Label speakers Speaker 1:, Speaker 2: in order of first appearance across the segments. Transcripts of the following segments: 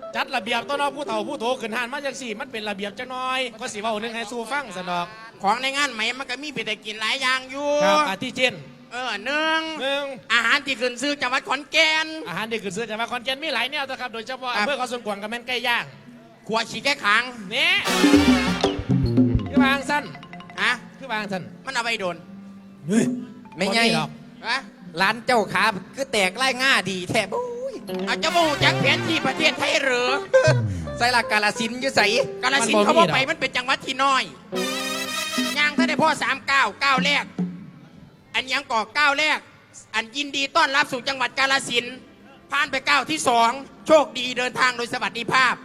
Speaker 1: จัดระเบียบต้อนรับผู้เฒ่าผู้โตขึ้นหานมาจังสี่มันเป็นระเบียบจังน้อยก็สิเว้าหนึงให้สู้ฟังสนอก
Speaker 2: ของในงานไหมมันก็มีไปแต่กินหลายอย่างอยู่
Speaker 1: ครับอาทิเช่น
Speaker 2: หนึ่งอาหารที่ขึ้นซื้อจังหวัดขอนแก่น
Speaker 1: อาหารที่ขึ้นซื้อจังหวัดขอนแก่นมีหลายแนวนะครับโดยเฉพาะอำเภอเขาสวนกวางกับแม่นไก่ย่าง
Speaker 2: ขวดฉีกแก้ขัง
Speaker 1: นี่คือบางสั้นคือบางสั้น
Speaker 2: มันเอาไปโดน
Speaker 3: ไม่ไงหรอกร้านเจ้าขาคือแตกไล่ง่าดีแทบ
Speaker 2: อาจจะบูจากแผนที่ประเทศไทยหรือ
Speaker 3: ใส่ละกาลสินอยู่ใส่
Speaker 2: กาลสินเขาบอกไปมันเป็นจังหวัดที่น้อยย่างถ้าได้พ่อ3 ก้าวแรกอันยังก่อ9แรกอันยินดีต้อนรับสู่จังหวัดกาลสินผ่านไป9ที่2โชคดีเดินทางโดยสวัสดิภาพ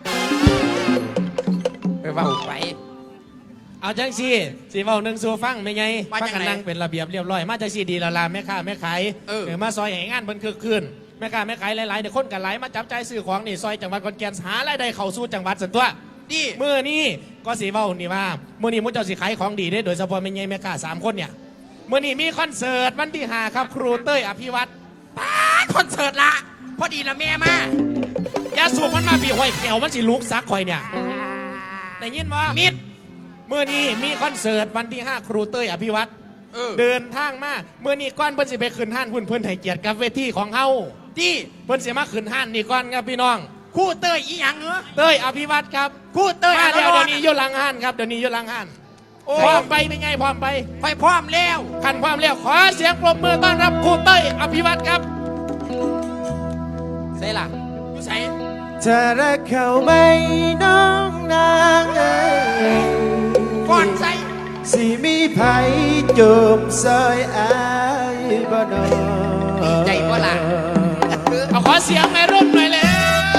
Speaker 3: ไปว่าไป
Speaker 1: เอาจังสี่สีเว้าหนึ่งสู้ฟังไม่ไงฟังกันนั่งเป็นระเบียบเรียบร้อยมาจังสี่ดีละลาแม่ค้าแม่ขายมาซอยแห่งงานบนคือคืนแม่ค้าแม่ขายหลายๆเดี๋ยวคนกันหลายมาจับใจซื้อของนี่ซอยจังหวัดขอนแก่นหารายได้เข้าสู่จังหวัดส่วนตัว
Speaker 2: ดี
Speaker 1: เมื่อนี้ก็สีเว้านี่ว่าเมื่อนี้มุ้งเจ้าสีขายของดีได้โดยเฉพาะแม่ไงแม่ค้า3 คนเนี่ยเมื่อนี้มีคอนเสิร์ตวันที่5ครับครูเต้ยอภิวัตร
Speaker 2: คอนเสิร์ตละพอดีละแม่ม
Speaker 1: ายาสูบมันมาปีหอยแขวมันสิลุกซักคอยเนี่ยได้ยินมั้ย
Speaker 2: มิด
Speaker 1: เมื่อนี้มีคอนเสิร์ตวันที่5ครูเต้ยอภิวัตรเดินทางมาเมื่อนี้ก้อนเพิ่นสิไปขึ้นห้านเพิ่นให้เกียรติกับเวทีของเฮา
Speaker 2: ที่
Speaker 1: เพิ่นสิมาขึ้นห้านนี่ก้อนครับพี่น้อง
Speaker 2: ครูเต้ยอีหยังเหรอ
Speaker 1: เต้ยอภิวัตรครับ
Speaker 2: ครูเต้ย
Speaker 1: มาเดี๋ยวนี้อยู่หลังห้านครับเดี๋ยวนี้อยู่หลังห้านพร้อมไปเป็นไงพร้อมไป
Speaker 2: ค่อยพร้อมแล้ว
Speaker 1: ขันพร้อมแล้วขอเสียงปรบมือต้อนรับครูเต้ยอภิวัตรครับ
Speaker 3: ใส่ละ
Speaker 2: อยู่ใส่
Speaker 4: จะรักเขาไหมน้องนาง
Speaker 2: ก่อนใส่
Speaker 4: สิมีไผจมซอยอายบ่นอ
Speaker 3: ใจบ่ล่ะ
Speaker 1: เอาขอเสียงในร่มหน่อยแล้ว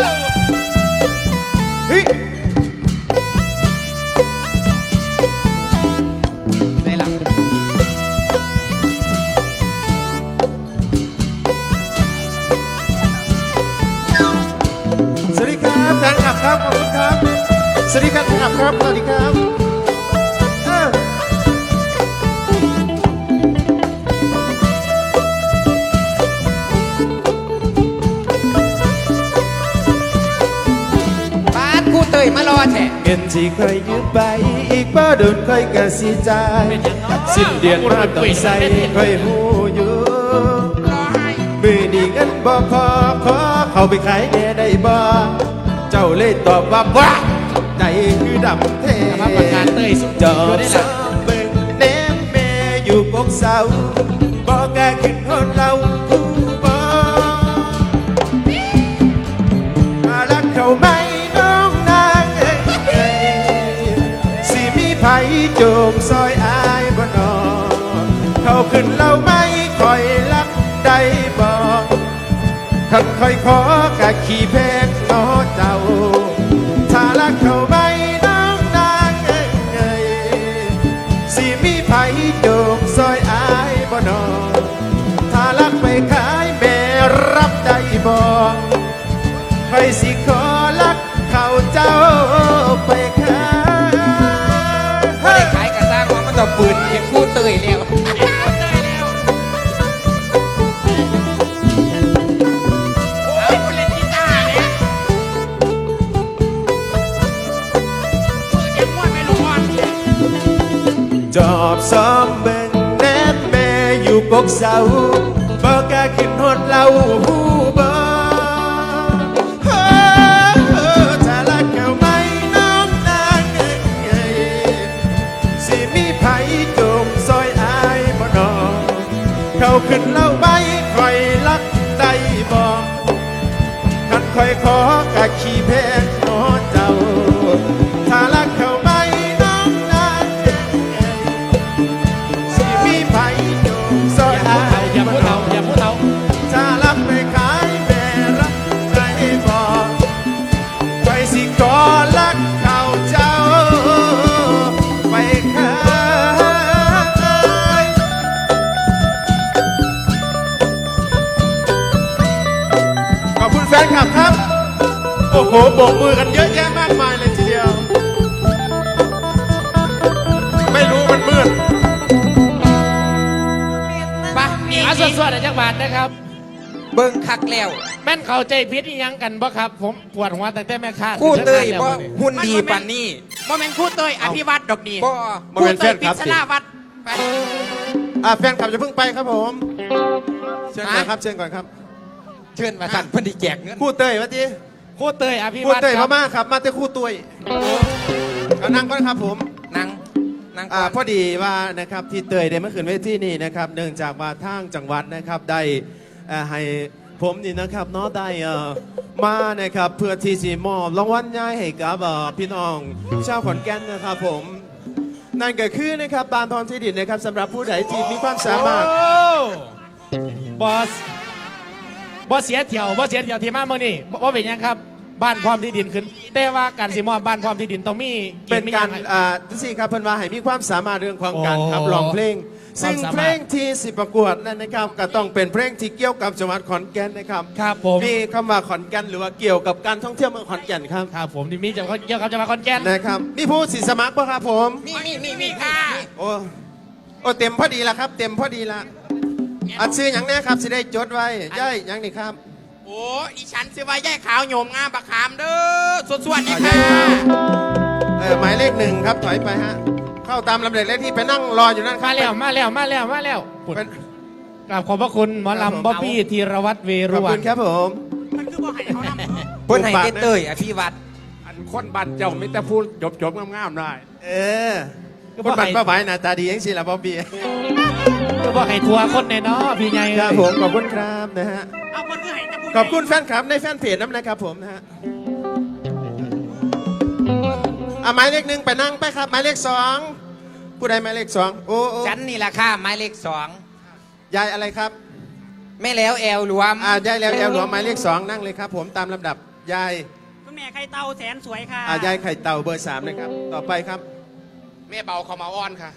Speaker 3: ใส่ละ
Speaker 4: สวัสดีครับแฟนคลับครับขอบคุณครับสวัสดีครับแฟนคลับครับสวัสดีครับ
Speaker 3: เต้ยมารอแฉะ
Speaker 4: เงินที่เคยยืมไปอีกบ่โดนค่อยกะสิจ่ายสิ้นเดือนมาต้องใส่ค่อยหูอยู่มือนี่เงินบ่พอขอเข้าไปขายแน่ได้บ่เจ้าเลยตอบว่าบ้าใจคือดำเท
Speaker 1: ประกาศเต้ยสุด
Speaker 4: จอบซ้ำเบิ่งแนมแม่อยู่กกเสาบ่กล้าขึ้นฮอดเราผู้บ่รักเขาไหมไผโจมซอยอายบ่นอเขาขึ้นเล่าไม่คอยรักได้บ่ขันคอยขอกะขี่แพงน้อเจ้าถ้ารักเขาไม่น้องนางสิมีไผโจมซอยอายบ่นอถ้ารักไปขายแม่รับได้บ่ใครสิขอรักเขาเจ้าไปขาย
Speaker 3: ต่อปืนเห็นคู่เตยแล้ว
Speaker 4: จอบซ้อมเบิ่งแนบแม่อยู่กกเสาบ่กล้าขึ้นฮอดเราหูบ่ถ้ารักเขาไหมน้องนางสิมีไผจมซอยอายบ่นอเขาขึ้นเล่าไม่คอยรักได้บ่คันคอยขอกะขี้แพงน้อเจ้าถ้ารักเขาไหมน้องนางสิมีไผจมซอยอาย
Speaker 1: อย่าพูดเอาอย่าพูดเอา
Speaker 4: ถ้ารักไปขายแม่รักได้บ่ไปสิขอรักเขาเจ้าไปขายขอบคุณแฟนคลับครับโอ้โหโบกมือกันเยอะแยะมากมายเลยทีเดียวไม่รู้มันมืด
Speaker 1: ปะสวดๆจักบาทนะครับ
Speaker 3: เบิ่งคักแล้ว
Speaker 1: แม่นเข้าใจผิดอีหยังกันบ่ครับ ผมปวดหัวตั้งแต่แม่ค้า
Speaker 3: คู่เตย
Speaker 1: แล้ว
Speaker 3: บ่
Speaker 1: มื้อนี้
Speaker 3: หุ่นดีปานนี้
Speaker 2: โมเมนต์คู่เตยอภิวัตรดอกดี
Speaker 3: บ่
Speaker 4: บ่
Speaker 2: คู่
Speaker 4: เป็น
Speaker 2: เต
Speaker 4: แฟ
Speaker 2: ย
Speaker 4: น
Speaker 2: ปิ
Speaker 4: ครับ
Speaker 2: ศ
Speaker 4: สิ
Speaker 2: นาวัดไป
Speaker 4: แฟนคลับจะเพิ่งไปครับผมเชิญก่อนครับเชิญก่อนครับ
Speaker 3: เชิญมาสั่นเพิ่นสิแจกเงิน
Speaker 4: คู่เตยวะที
Speaker 1: คู่เตยอภิ
Speaker 4: คู่
Speaker 1: วัตร
Speaker 4: เตย
Speaker 1: ครับ
Speaker 4: มาครับมาแต่คู่ตัวยเอานั่งก่อนครับผม
Speaker 3: นั่งก่อน
Speaker 4: พอดีว่านะครับที่เตยได้มาขึ้นเวทีนี่นะครับเนื่องจากว่าทางจังหวัดนะครับได้ให้ผมนี่นะครับเนาะได้มานะครับเพื่อที่จะมอบรางวัลใหญ่ให้กับพี่น้องชาวขอนแก่นนะครับผมนั่นก็คือนะครับบานทองที่ดินนะครับสำหรับผู้ใดที่มีความสามารถ
Speaker 1: โอ้บอสเสียเที่ยวที่มาเมื่อนี้บ่เป็นหยังครับบ้านพร้อมที่ดินขึ้น แต่ว่าการสิมอบบ้านพร้อมที่ดินต้องมี
Speaker 4: เป็นการ
Speaker 1: มีหยัง
Speaker 4: ที่ครับเพิ่นว่าให้มีความสามารถเรื่องของการขับ
Speaker 1: โอ้
Speaker 4: ร้องเพลง ซึ่ง
Speaker 1: ความสามารถ
Speaker 4: เพลงที่สิประกวดนั่นนะครับก็ต้องเป็นเพลงที่เกี่ยวกับจังหวัดขอนแก่นนะครับ
Speaker 1: ครับผม
Speaker 4: มีคำว่าขอนแก่นหรือว่าเกี่ยวกับการท่องเที่ยวเมืองขอนแก่นครับ
Speaker 1: ครับผมที่มีเกี่ยวกับจังหวัดขอนแก่น
Speaker 4: นะครับมีผู้สิสมัครป่ะครับผม
Speaker 2: มีค่ะ
Speaker 4: โอ้เต็มพอดีละครับ เต็มพอดีละอัดซื้ออย่างนี้ครับสิได้จดไว้ย่ายอย่างนี้ครับ
Speaker 2: โอ้ดิฉันซื้อไว้ย่ายขาวโยมงามบักขามเด้อสวดๆนี่ค่ะ
Speaker 4: หมายเลขหนึ่งครับถอยไปฮะเข้าตามลำดับเลขที่ไปนั่งรออยู่นั่นครับ
Speaker 1: มาแล้วปุ่น
Speaker 4: เป็น
Speaker 1: กราบขอบพระคุณหมอ
Speaker 4: ครับผม
Speaker 1: ลำบ๊อบบี้ธีรวัตรเว
Speaker 4: ข
Speaker 1: รุ
Speaker 4: อบ
Speaker 1: วั
Speaker 4: คุ
Speaker 1: น
Speaker 4: ณครับผม
Speaker 2: มันคือบ่ให้เขานำ
Speaker 3: เพิ่นให้เต้เตยอภิวัตร
Speaker 5: อันคนบันเจ้าไม่แต่พูดจบๆงามๆได้
Speaker 4: เออคนบัตรป้าไหวหน้าตาดียังสิล่ะบ๊อบบี้
Speaker 1: ก็บอกให้ทัวร์คนในเนาะพี่ใหญ่
Speaker 4: ครับผมขอบคุณครับนะฮะ
Speaker 2: เอาคนคือให้แต่ผู้
Speaker 4: ขอบคุณแฟนคลับในแฟนเพจน้ำนะครับผมนะฮะหมายเลขหนึ่งไปนั่งไปครับหมายเลขสองผู้ใดหมายเลขสองโอ้โอ้
Speaker 3: ฉันนี่ล่ะค่ะหมายเลข
Speaker 4: ยายอะไรครับ
Speaker 3: 2แม่แล้วแอลรวม
Speaker 4: ยายแล้วแอลหลวงหมายเลขสองนั่งเลยครับผมตามลำดับยาย
Speaker 6: คุณแม่ไข่เต่าแสนสวยค่ะ
Speaker 4: ยายไข่เต่าเบอร์ 3นะครับต่อไปครับ
Speaker 2: แม่เบาเขามาอ้อนค่ะ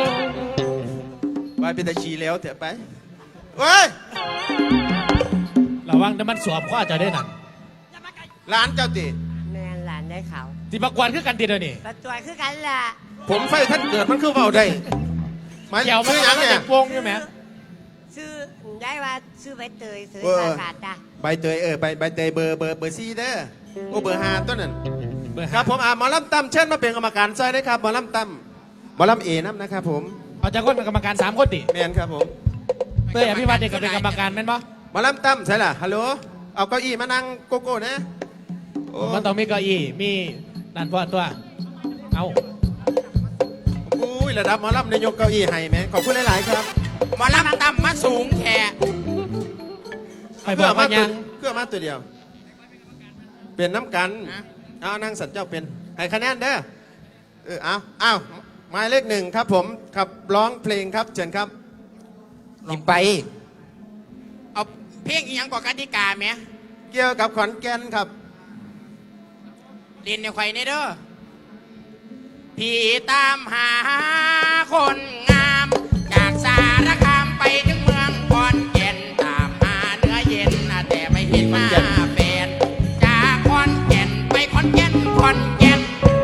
Speaker 4: ไปเป็นตาชีแล้วเถอะไปเว้ย
Speaker 1: ระวังแต่มันสวมข้อจะได้นั่น
Speaker 4: ร้านเจ้าติ
Speaker 6: แม่หลานได้เขา
Speaker 1: ที่ประกวดคือกันติดเดี๋ยวนี้
Speaker 6: ประจวยคือกันล่ะ
Speaker 4: ผมไฟท่านเกิดมันคือเบาได้หมาย
Speaker 1: เกี่ยวมัน
Speaker 4: ชื่อหยังเนี่ย
Speaker 1: เด็กวงใช่ไหม
Speaker 6: ชื่อได้ว่าชื่อใบเตยซื้อ
Speaker 4: เออ
Speaker 6: สาขาดจ้ะ
Speaker 4: ใบเตยใบเตยเบอร์4เด้อโอ้เบอร์5ต้นนั่น
Speaker 1: เบอร์
Speaker 4: ค
Speaker 1: ห้า
Speaker 4: รับผมหมอลำตั้มเชิญมาเป็นกรรมการซอยได้ครับหมอลำตั้มหมอลำเอน้ำนะครับผม
Speaker 1: เอาจากคนเป็นกรรมการ3 คนติ
Speaker 4: แมนครับผม
Speaker 1: เตยอภิวัตรเด็กก็เป็นกรรมการแม่นปะ
Speaker 4: หมอลำตั้มใช่ล่ะฮัลโหลเอาเก้าอี้มานั่งโกโก้นะโอ้
Speaker 1: มันต้องมีเก้าอี้มีนั่นพอตัวเอา
Speaker 4: อุ้ยระดับหมอลำนายกเก้าอี้ให้แม่ขอบคุณหลายๆครับ
Speaker 2: หมอลำต่ำมาสูงแค่
Speaker 1: ไปบอกว่ายัง
Speaker 4: เครื่องมาตัวเดียว เป็นน้ำกัน เอานั่งสัตว์เจ้าเป็น ให้คะแนนเด้อเอาหมายเลขหนึ่งครับผมขับร้องเพลงครับเชิญครับ
Speaker 3: สิไป
Speaker 2: เอาเพลงอีหยังกว่ากติกาไหม
Speaker 4: เกี่ยวกับขอนแก่นครับ
Speaker 2: เรียนในไข่ในเด้อพี่ตามหาคนงาม จากสารคามไปถึงเมืองขอนแก่นตามหาเนื้อเย็นแต่ไม่เห็นหน้าแฟนจากขอนแก่นไปขอนแก่นขอนแก่น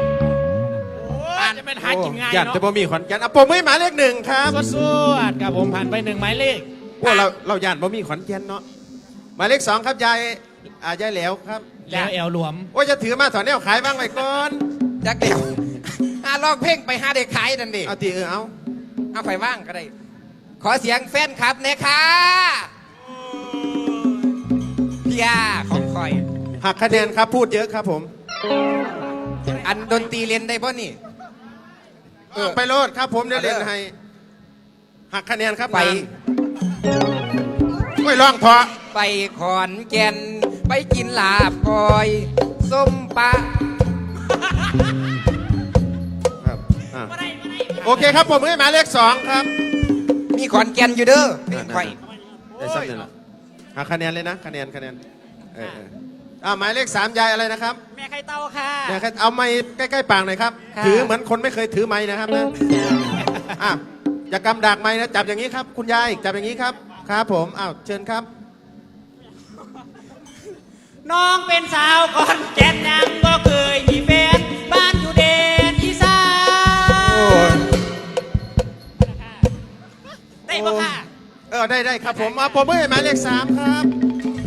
Speaker 1: จะเป็นหากินง่าย
Speaker 4: อยาก
Speaker 1: เนาะ
Speaker 4: จะบ่มีขอนแก่นผมไม่หมายเลขหนึ่งครับ
Speaker 1: สวดครับผมผ่านไป1 หมายเลข
Speaker 4: ว่าเราอยากบ่มีขอนแก่นเนาะหมายเลขสองครับยายยายแหลวครับ
Speaker 1: แล้วแอลหลวม
Speaker 4: ว่าจะถือมาถอนแนวขายบ้างไว้ก่อน
Speaker 3: จักเดียวหาลองเพลงไปหาเด็กขายนั่นดิ
Speaker 4: เอาตีเอา
Speaker 3: เอาไปว่างก็ได้ ขอเสียงแฟนคลับหนะค่ะพี่อาของคอย
Speaker 4: หักคะแนนครับพูดเยอะครับผม
Speaker 3: อันดนตรีเล่นได้ป่ะนี่
Speaker 4: ไปโลดครับผมเดี๋ยวเล่นให้หักคะแนนครับ
Speaker 3: ไป
Speaker 4: ไม่ร้องเพอ
Speaker 3: ไปขอนแก่นไปกินลาบกอยส้มปลา
Speaker 4: ครับโอเคครับผมให้หมายเลขสองครับ
Speaker 3: มีขอนแก่นอยู่เด้อเพลงข่อย
Speaker 4: ได้สักหนึ่งละหักคะแนนเลยนะคะแนนหมายเลขสามยายอะไรนะครับ
Speaker 6: แม่ไข่เต่าค่ะ
Speaker 4: เนี่ยครับเอาไม้ใกล้ๆปากหน่อยครับ
Speaker 6: ค่ะ
Speaker 4: ถือเหมือนคนไม่เคยถือไม้นะครับนะอย่ากำดากไม้นะจับอย่างนี้ครับ คุณยายจับอย่างนี้ครับครับผมเชิญครับ
Speaker 6: น้องเป็นสาวก่อนแก่นยังก็เคยมีแฟนบ้านอยู่เดนอีสานได้ปะค่ะ
Speaker 4: ได้ครับผมผมให้หมายเลขสามครับ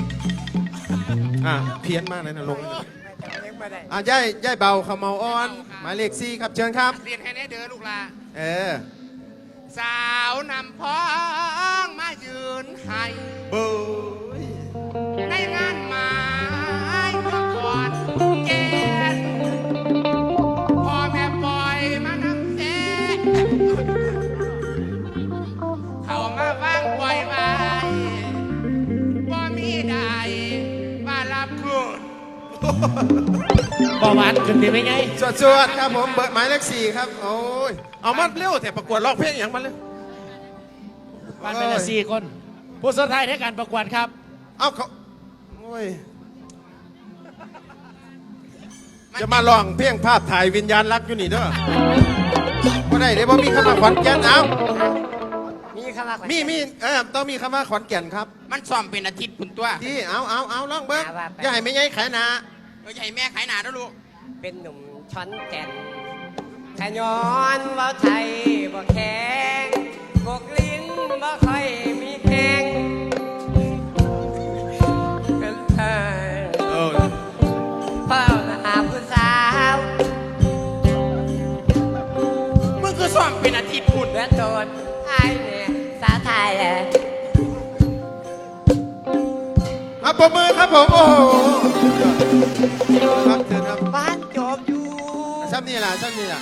Speaker 4: เพี้ยนมากเลยนะลงย่ายเบาขมเมาอ่อนหมายเลข4ครับเชิญครับ
Speaker 2: เรียนให้แน่เด้อลูกหลา
Speaker 4: เออ
Speaker 2: สาวนำพ้องมายืนให้
Speaker 4: เบ้ย
Speaker 2: ในงานหมายเมื่อก่อนแกนพ่อแม่ปล่อยมานำแท้เขามาวางปล่อยไว้บ่มีใดมารับคืน
Speaker 1: ประวัติขึ้นดีไหมไง
Speaker 4: สวดครับผมเบอร์หมายเลข4ครับโอ้ยเอามาเร็วแต่ประกวดร้องเพลงอย่างมันเลย
Speaker 1: บ้านเป็นละ4 คน ผู้สุดท้ายในการประกวดครับ
Speaker 4: เอาเขาโอ้ยจะมาลองเพลงภาพถ่ายวิญญาณรักอยู่นี่เด้อบ่ได้เดี๋ยวบ่มีคำว่าขอนแก่นเอา
Speaker 6: มีคำว่า
Speaker 4: มีต้องมีคำว่าขอนแก่นครับ
Speaker 2: มันซ้อมเป็นอาทิตย์คุณตัว
Speaker 4: ที่เอาลองเบิ้งอย่าให้ไม่ใหญ่ขายหนา
Speaker 2: ใหญ่แม่ขายหนาด้วยลูก
Speaker 6: เป็นหนุ่มช้อนแก่นขย้อนว่าไทยบ่แข็งกกลิ้นบ่ค่อยมีแข็งเป็นเธอ
Speaker 4: เออ
Speaker 6: เฝ้าหาผู้สาว
Speaker 2: มึงคือซ้อมเป็นอาทิตย์คุณ
Speaker 6: เดือดโดนไอ้เนี่ยสาไทย
Speaker 4: ปรบมือครับผมโอ้โหครับเชิญครับ
Speaker 6: บ้านจบอยู่
Speaker 4: ซ้ำนี่ล่ะ
Speaker 2: ชมมึง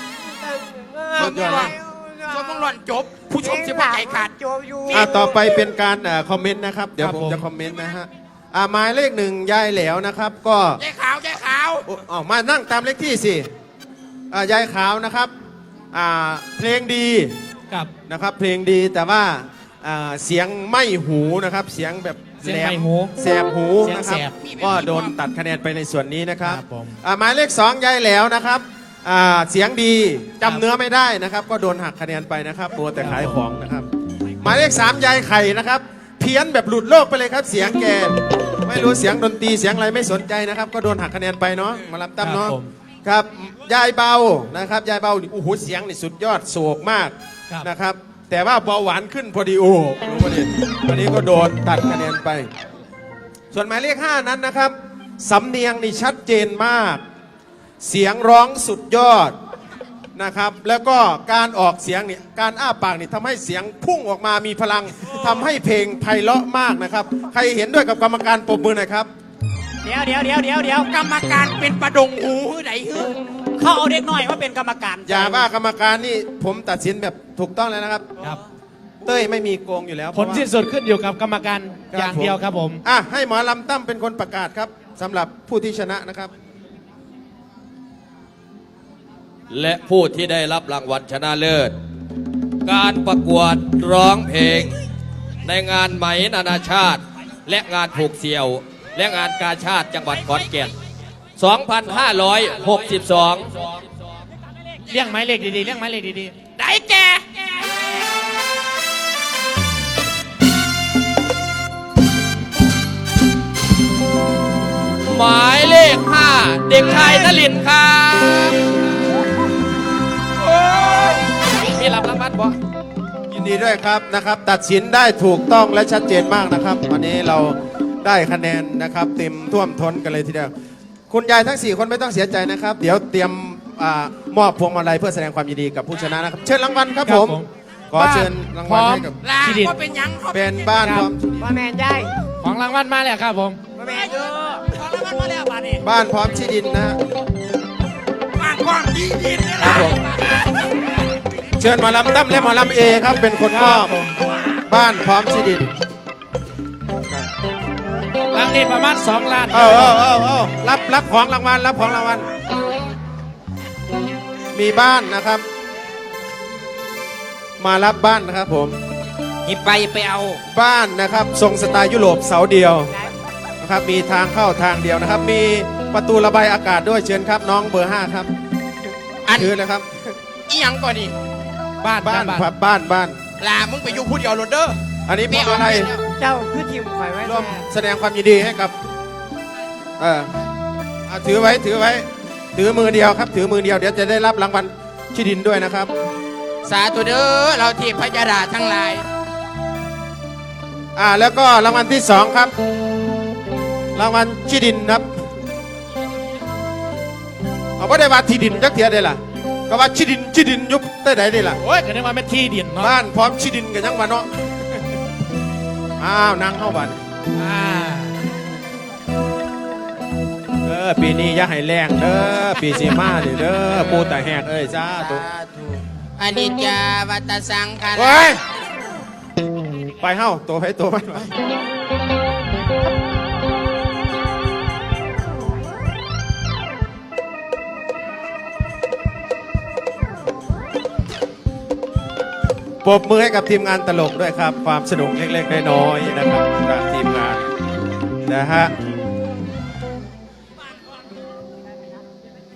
Speaker 2: หล่อนจบ ผู้ชมจะว่าใจขาด
Speaker 6: จบอยู่
Speaker 4: ต่อไปเป็นการคอมเมนต์นะครับ เดี๋ยว
Speaker 1: ครับ
Speaker 4: ผม
Speaker 1: ผม
Speaker 4: จะคอมเมนต์นะฮะหมายเลข1ยายแหลวนะครับ ก็
Speaker 2: ใจขาวใจขาว
Speaker 4: มานั่งตามเลขที่สิยายขาวนะครับเพลงดี
Speaker 1: กับ
Speaker 4: นะครับเพลงดีแต่ว่าเสียงไม่หูนะครับเสียงแบบ
Speaker 1: เสียง
Speaker 4: แหล
Speaker 1: ไม่หู
Speaker 4: แสบหู
Speaker 1: เสียง
Speaker 4: นะครับ
Speaker 1: แสบ
Speaker 4: ก็โดนตัดคะแนนไปในส่วนนี้นะครับ
Speaker 1: ครับผม
Speaker 4: หมายเลข2ยายแหล้วนะครับเสียงดีจำเนื้อไม่ได้นะครับ ก็โดนหักคะแนนไปนะครับมัวแต่ขายของนะครับ หมายเลข3ยายไข่นะครับ เพี้ยนแบบหลุดโลกไปเลยครับ เสียงแกไม่รู้เสียงดนตรีเสียงอะไรไม่สนใจนะครับ ก็โดนหักคะแนนไปเนาะมาลำตั้มเนาะ
Speaker 1: ครับผม
Speaker 4: ครับยายเบานะครับยายเบานี่โอ้โหเสียงนี่สุดยอดโศกมาก
Speaker 1: ครับ
Speaker 4: นะครับ แต่ว่าเบาหวานขึ้นพอดีโอ้รู้ประเด็นวันนี้ก็โดนตัดคะแนนไป ส่วนหมายเลข5นั้นนะครับสำเนียงนี่ชัดเจนมาก เสียงร้องสุดยอดนะครับ แล้วก็การออกเสียงนี่การอ้าปากนี่ทำให้เสียงพุ่งออกมามีพลังทำให้เพลงไพเราะมากนะครับ ใครเห็นด้วยกับกรรมการปรบมือหน่อยครับ
Speaker 6: เดี๋ยว
Speaker 2: กรรมการเป็นประดงหูหื้อไหนหื้อ
Speaker 6: เขาเอาเด็กน้อยมาเป็นกรรมการ
Speaker 4: อย่าว่ากรรมการนี่ผมตัดสินแบบถูกต้องแล้วนะครับ
Speaker 1: ครับ
Speaker 4: เต้ยไม่มีโกงอยู่แล้ว
Speaker 1: ผลสิ้นสุดขึ้นอยู่กับกรรมการอย่างเดียวครับผม
Speaker 4: ให้หมอลำตั้มเป็นคนประกาศครับสำหรับผู้ที่ชนะนะครับ
Speaker 7: และผู้ที่ได้รับรางวัลชนะเลิศ การประกวดร้องเพลง ในงานไหมนานาชาติ และงานผูกเสี่ยว และงานกาชาติจังหวัดขอนแก่น 2562
Speaker 1: เลี้ยงไม้เหล็กดีๆเลี้ยงไม้เหล็กดี
Speaker 2: ได้แก
Speaker 7: หมายเลข 5 เด็กชายนลินทร์ครับมีรับรางวัลบ่
Speaker 4: ยินดีด้วยครับนะครับ ตัดสินได้ถูกต้องและชัดเจนมากนะครับ วันนี้เราได้คะแนนนะครับ เต็มท่วมท้นกันเลยทีเดียวคุณยายทั้ง 4 คนไม่ต้องเสียใจนะครับ เดี๋ยวเตรียมมอบพวงมาลัยเพื่อแสดงความยินดีกับผู้ชนะนะครับ เชิญรางวัลครับ
Speaker 1: ๆ
Speaker 4: ผมขอเชิญรางวัลให้กับ
Speaker 2: ลา
Speaker 1: ที่ดิน
Speaker 2: ก็เป็นหยังเขา
Speaker 4: เป็นบ้านพร้อม
Speaker 6: ว่าแมนได้
Speaker 1: ของรางวัลมาแล้วครับผม
Speaker 6: ว่าแมนเยอะขอรางวัลมาแล้วบาดนี้
Speaker 4: บ้านพร้อมที่ดินนะฮะ
Speaker 2: บ้านกว้างดีดินนี่
Speaker 4: ครั
Speaker 2: ล่ะ
Speaker 4: บผม เชิญหมอลำตั้มและหมอลำเอครับเป็นคนมอบบ้านพร้อมที่ดิน
Speaker 1: รางนี้ประมาณ2 ล้าน
Speaker 4: รับของรางวัลรับของรางวัลมีบ้านนะครับ มารับบ้านนะครับผม
Speaker 3: หิบไปเอา
Speaker 4: บ้านนะครับทรงสไตล์ยุโรปเสาเดียวนะครับมีทางเข้าทางเดียวนะครับ มีประตูระบายอากาศด้วยเชิญครับน้องเบอร์ 5 ครับ
Speaker 2: อัน
Speaker 4: ถือเลยครับ
Speaker 2: อีหยังก่อนนี่
Speaker 1: บ้าน
Speaker 4: บ้าน
Speaker 1: บ้าน
Speaker 4: ครับบ้าน
Speaker 2: ลามึงไปอยู่ผู้เดียวโรดเดอร์
Speaker 4: อันนี้เป็นอะไร
Speaker 6: เจ้าคือทีมข่อยไว้
Speaker 4: ร่วม
Speaker 6: แท้
Speaker 4: แสดงความยินดีให้กับถือไว้ถือมือเดียวครับ ถือมือเดียวเดี๋ยวจะได้รับรางวัลที่ดินด้วยนะครับ
Speaker 2: สาธุเด้อเราเทพยดาทั้งหลาย
Speaker 4: แล้วก็รางวัลที่ 2 ครับรางวัลที่ดินครับเอาไม่ได้ว่าที่ดินจักเทียได้ล่ะก็ว่าที่ดินยุบได้ไหนได้ล่ะ
Speaker 1: โอ้ยก็นึกว่าเป็นที่ดินเนาะ
Speaker 4: บ้านพร้อมที่ดินกันยังวะเนาะอ้าวนั่งเข้าบ้าน
Speaker 1: อ่า
Speaker 4: ปีนี้อย่าให้แรงเด้อปีสีมาเด้อปูแต่แหกเอ้ยจ้าตุ
Speaker 2: อนิจจาวัตสังขาร
Speaker 4: เว้ยไปเฮ้าตัวไปตัวมันไปปรบมือให้กับทีมงานตลกด้วยครับ ความสนุกเล็กๆน้อยๆนะครับจากทีมงานนะฮะ